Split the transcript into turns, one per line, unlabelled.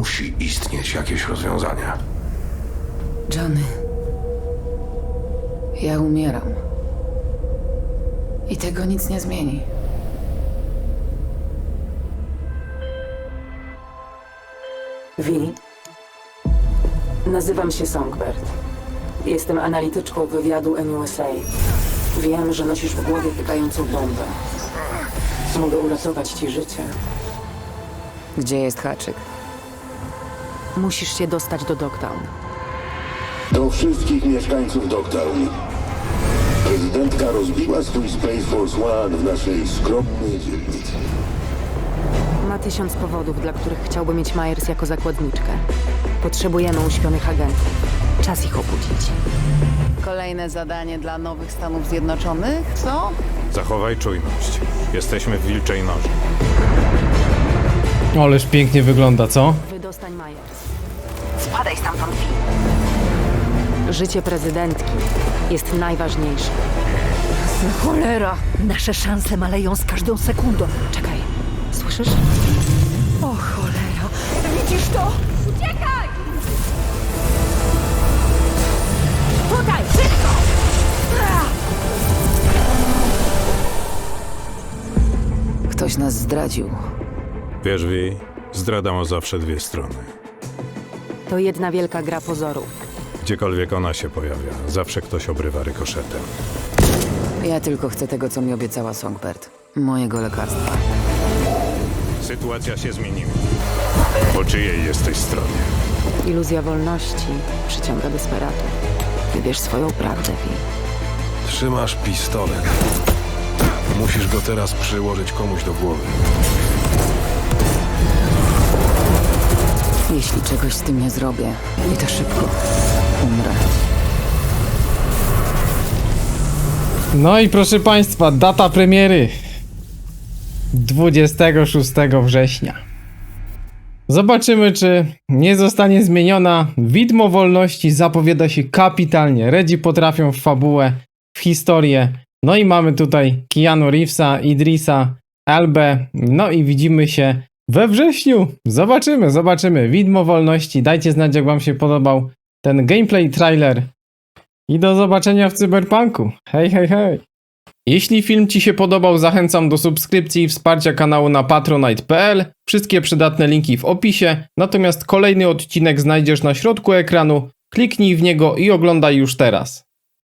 Musi istnieć jakieś rozwiązanie.
Johnny, ja umieram. I tego nic nie zmieni.
Vi, nazywam się Songbird. Jestem analityczką wywiadu NUSA. Wiem, że nosisz w głowie tykającą bombę. Mogę uratować ci życie.
Gdzie jest haczyk?
Musisz się dostać do Dogtown.
Do wszystkich mieszkańców Dogtown. Prezydentka rozbiła swój Space Force One w naszej skromnej dzielnicy.
Ma 1000 powodów, dla których chciałby mieć Myers jako zakładniczkę. Potrzebujemy uśpionych agentów. Czas ich obudzić.
Kolejne zadanie dla nowych Stanów Zjednoczonych, co?
Zachowaj czujność. Jesteśmy w wilczej noży.
Ależ pięknie wygląda, co?
Wydostań Myers. Spadaj stamtąd, Vi. Życie prezydentki jest najważniejsze.
Cholera!
Nasze szanse maleją z każdą sekundą.
Czekaj, słyszysz?
O cholera! Widzisz to? Uciekaj! Tutaj, szybko!
Ktoś nas zdradził.
Wiesz, Vi, zdrada ma zawsze dwie strony.
To jedna wielka gra pozorów.
Gdziekolwiek ona się pojawia, zawsze ktoś obrywa rykoszetem.
Ja tylko chcę tego, co mi obiecała Songbird. Mojego lekarstwa.
Sytuacja się zmieniła. Po czyjej jesteś stronie?
Iluzja wolności przyciąga desperatów. Wybierz swoją prawdę, Vi.
Trzymasz pistolet. Musisz go teraz przyłożyć komuś do głowy.
Jeśli czegoś z tym nie zrobię, i to szybko, umrę.
No i proszę państwa, data premiery 26 września. Zobaczymy, czy nie zostanie zmieniona. Widmo wolności zapowiada się kapitalnie. Redzi potrafią w fabułę, w historię. No i mamy tutaj Keanu Reevesa, Idrisa Elbę. No i widzimy się we wrześniu. Zobaczymy. Widmo wolności. Dajcie znać, jak wam się podobał ten gameplay trailer. I do zobaczenia w Cyberpunku. Hej. Jeśli film ci się podobał, zachęcam do subskrypcji i wsparcia kanału na patronite.pl. Wszystkie przydatne linki w opisie. Natomiast kolejny odcinek znajdziesz na środku ekranu. Kliknij w niego i oglądaj już teraz.